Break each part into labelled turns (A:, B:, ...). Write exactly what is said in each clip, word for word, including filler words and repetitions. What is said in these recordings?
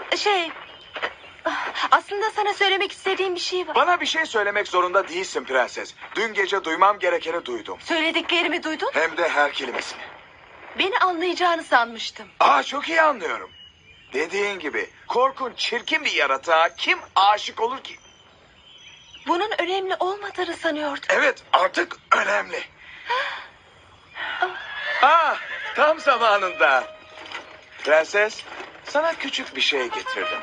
A: Şey... Aslında sana söylemek istediğim bir şey var.
B: Bana bir şey söylemek zorunda değilsin prenses. Dün gece duymam gerekeni duydum.
A: Söylediklerimi duydun?
B: Hem de her kelimesini.
A: Beni anlayacağını sanmıştım.
B: Aa, çok iyi anlıyorum. Dediğin gibi korkunç, çirkin bir yaratığa kim aşık olur ki?
A: Bunun önemli olmadığını sanıyordum.
B: Evet, artık önemli. Ah, tam zamanında. Prenses, sana küçük bir şey getirdim.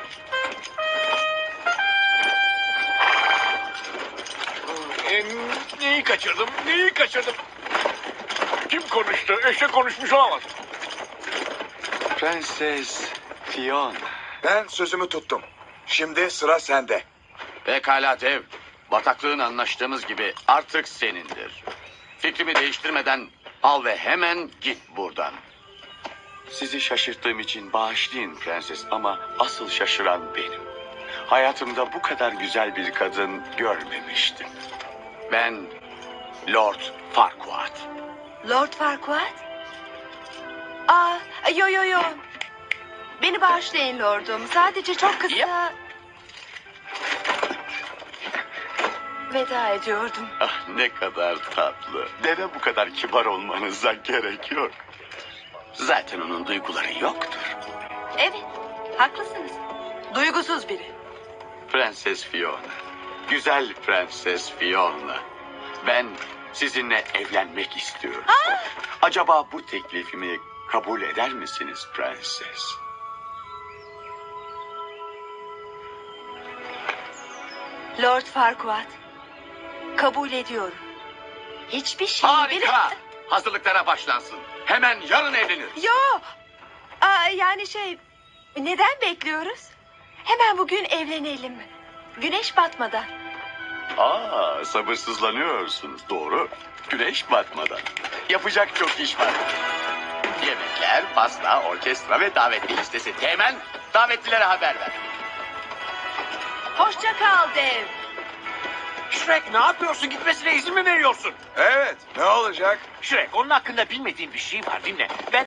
C: E, neyi kaçırdım? Neyi kaçırdım? Kim konuştu? Eşek konuşmuş olamaz.
D: Prenses Fiona.
B: Ben sözümü tuttum. Şimdi sıra sende.
E: Pekala dev. Bataklığın anlaştığımız gibi artık senindir. Fikrimi değiştirmeden al ve hemen git buradan.
D: Sizi şaşırttığım için bağışlayın prenses ama asıl şaşıran benim. Hayatımda bu kadar güzel bir kadın görmemiştim.
E: Ben Lord Farquaad.
A: Lord Farquaad? Aa, yo yo yo. Beni bağışlayın lordum. Sadece çok kısa...
E: Yap.
A: Veda ediyordum.
D: Ah ne kadar tatlı. Deve bu kadar kibar olmanıza gerek yok. Zaten onun duyguları yoktur.
A: Evet, haklısınız. Duygusuz biri.
D: Prenses Fiona. Güzel Prenses Fiona. Ben sizinle evlenmek istiyorum. Acaba bu teklifimi kabul eder misiniz prenses?
A: Lord Farquaad. Kabul ediyorum. Hiçbir şey
E: Harika. Hazırlıklara başlansın. Hemen yarın evlenir.
A: Yo. Aa, yani şey... Neden bekliyoruz? Hemen bugün evlenelim. Güneş batmadan.
D: Aa, sabırsızlanıyorsunuz. Doğru. Güneş batmadan. Yapacak çok iş var.
E: Yemekler, pasta, orkestra ve davetli listesi. Hemen davetlilere haber ver.
A: Hoşça kal dev.
C: Shrek ne yapıyorsun? Gitmesine izin mi veriyorsun?
B: Evet, ne olacak?
C: Shrek onun hakkında bilmediğin bir şey var dinle. Ben